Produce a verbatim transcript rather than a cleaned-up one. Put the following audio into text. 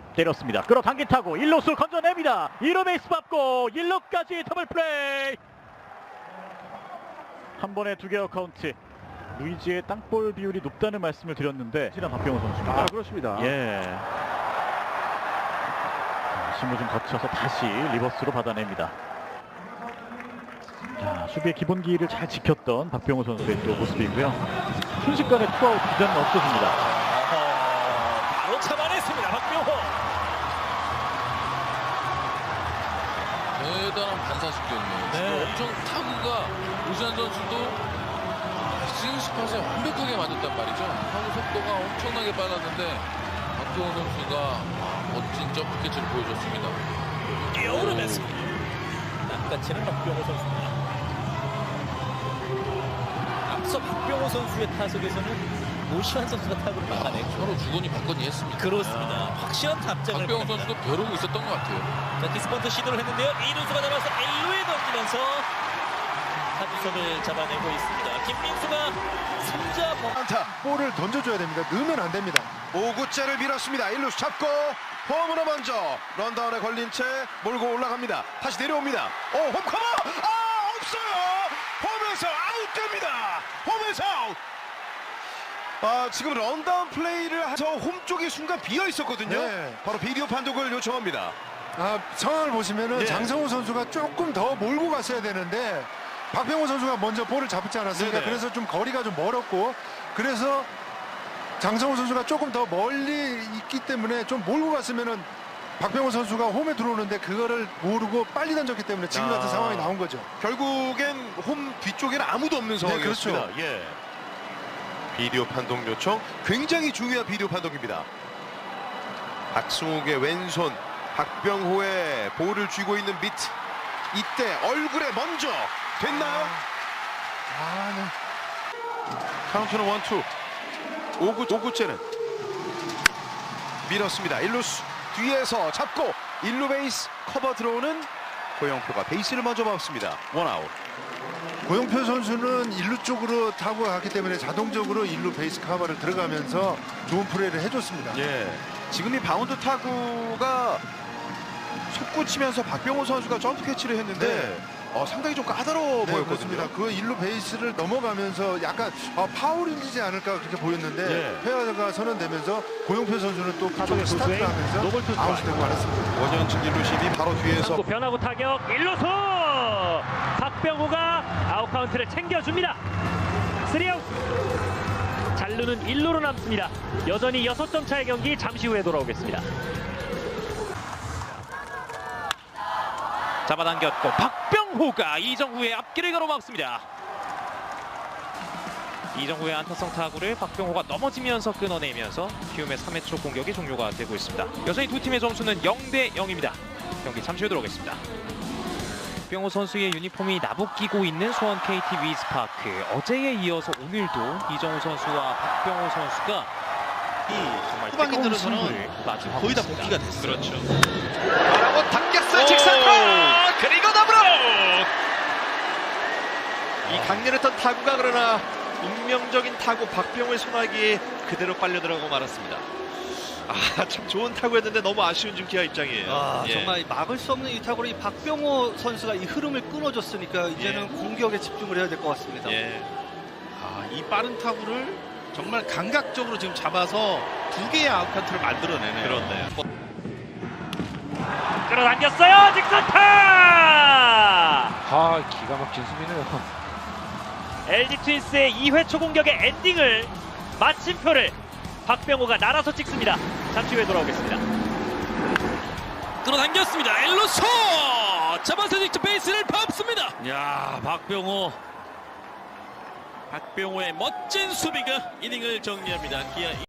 때렸습니다. 끌어당긴 타고 일 루수 건져냅니다. 이 루 베이스 밟고 일 루까지 더블 플레이. 한 번에 두 개의 카운트. 루이지의 땅볼 비율이 높다는 말씀을 드렸는데 실한 박병호 선수입니다. 아, 그렇습니다. 예. 심을 좀 거쳐서 다시 리버스로 받아냅니다. 자, 수비의 기본기를 잘 지켰던 박병호 선수의 또 모습이고요. 순식간에 투아웃 기자는 없어집니다. 어허, 바로 잡아냈습니다. 박병호. 대단한 반사식이었네요. 네. 엄청 타구가 오시안 선수도 스윙스팟에 완벽하게 맞았단 말이죠. 타구 속도가 엄청나게 빨랐는데 박병호 선수가 멋진 점프 캐치를 보여줬습니다. 뛰어오르면습니다. 낚아채는 박병호 선수입니다. 앞서 박병호 선수의 타석에서는 오시안 선수가 타구를 막아냈죠. 서로 주거니 받거니 했습니다. 그렇습니다. 확실한 답장을 박병호 보냅니다. 선수도 벼르고 있었던 것 같아요. 자, 디스펀트 시도를 했는데요. 이루수가 잡아서 일 루에 던지면서 타주선을 잡아내고 있습니다. 김민수가 삼 자 범... 안타. 볼을 던져줘야 됩니다. 넣으면 안 됩니다. 오 구째를 밀었습니다. 일 루수 잡고 홈으로 먼저 런다운에 걸린 채 몰고 올라갑니다. 다시 내려옵니다. 오, 홈커버! 아, 없어요! 홈에서 아웃됩니다. 홈에서 아웃! 아, 지금 런다운 플레이를 해서 홈 쪽이 순간 비어 있었거든요. 네. 바로 비디오 판독을 요청합니다. 아, 상황을 보시면은 예. 장성호 선수가 조금 더 몰고 갔어야 되는데 박병호 선수가 먼저 볼을 잡지 않았습니까? 네네. 그래서 좀 거리가 좀 멀었고 그래서 장성호 선수가 조금 더 멀리 있기 때문에 좀 몰고 갔으면은 박병호 선수가 홈에 들어오는데 그거를 모르고 빨리 던졌기 때문에 지금 같은 아. 상황이 나온 거죠. 결국엔 홈 뒤쪽에는 아무도 없는 상황이었습니다. 그렇죠. 예. 비디오 판독 요청, 굉장히 중요한 비디오 판독입니다. 박승욱의 왼손, 박병호의 볼을 쥐고 있는 미트. 이때 얼굴에 먼저 됐나요? 아, 네. 카운트는 원투. 오 구, 오 구째는 밀었습니다. 일 루수 뒤에서 잡고 일 루 베이스 커버 들어오는 고영표가 베이스를 먼저 밟습니다. 원아웃. 고영표 선수는 일 루 쪽으로 타고 갔기 때문에 자동적으로 일 루 베이스 카바를 들어가면서 좋은 플레이를 해줬습니다. 예. 지금 이 바운드 타구가 솟구치면서 박병호 선수가 점프 캐치를 했는데 네. 어, 상당히 좀 까다로워 네, 보였거든요. 그렇습니다. 그 일 루 베이스를 넘어가면서 약간 아, 파울이지 않을까 그렇게 보였는데 예. 회화가 선언되면서 고영표 선수는 또 그쪽에 타석의 스타트를 투수의 하면서 노볼 투수 아웃이 되고 말았습니다. 원현진 일 루심이 바로 뒤에서 또 변화구 타격 일 루수 박병호가 아웃 카운트를 챙겨줍니다. 쓰리 아웃. 잘루는 일 루로 남습니다. 여전히 여섯 점 차의 경기 잠시 후에 돌아오겠습니다. 잡아당겼고 박병호가 이정후의 앞길을 가로막습니다. 이정후의 안타성 타구를 박병호가 넘어지면서 끊어내면서 키움의 삼 회 초 공격이 종료가 되고 있습니다. 여전히 두 팀의 점수는 영 대 영입니다. 경기 잠시 후에 돌아오겠습니다. 박병호 선수의 유니폼이 나부끼고 있는 수원 케이티 위즈파크. 어제에 이어서 오늘도 이정후 선수와 박병호 선수가 정말 후반기 뜨거운 들어서는 승부를 마주하고 거의 다 있습니다. 복귀가 됐어요. 그렇죠. 바라고 당겼어요. 직선으로 그리고 더블로 이 강렬했던 타구가 그러나 운명적인 타구 박병호의 손아귀에 그대로 빨려 들어가고 말았습니다. 아, 참 좋은 타구였는데 너무 아쉬운 지금 기아 입장이에요. 아, 예. 정말 막을 수 없는 이 타구로 이 박병호 선수가 이 흐름을 끊어줬으니까 이제는 예. 공격에 집중을 해야 될 것 같습니다. 예. 아, 이 빠른 타구를 정말 감각적으로 지금 잡아서 두 개의 아웃카운트를 만들어내네요. 그렇네요. 끌어당겼어요. 직선타. 아, 기가 막힌 수비네요. 엘지 트윈스의 이 회 초 공격의 엔딩을 마침표를 박병호가 날아서 찍습니다. 잠시 후에 돌아오겠습니다. 끌어당겼습니다. 일 루수 잡아서 직접 베이스를 밟습니다. 야, 박병호 박병호의 멋진 수비가 이닝을 정리합니다. 기아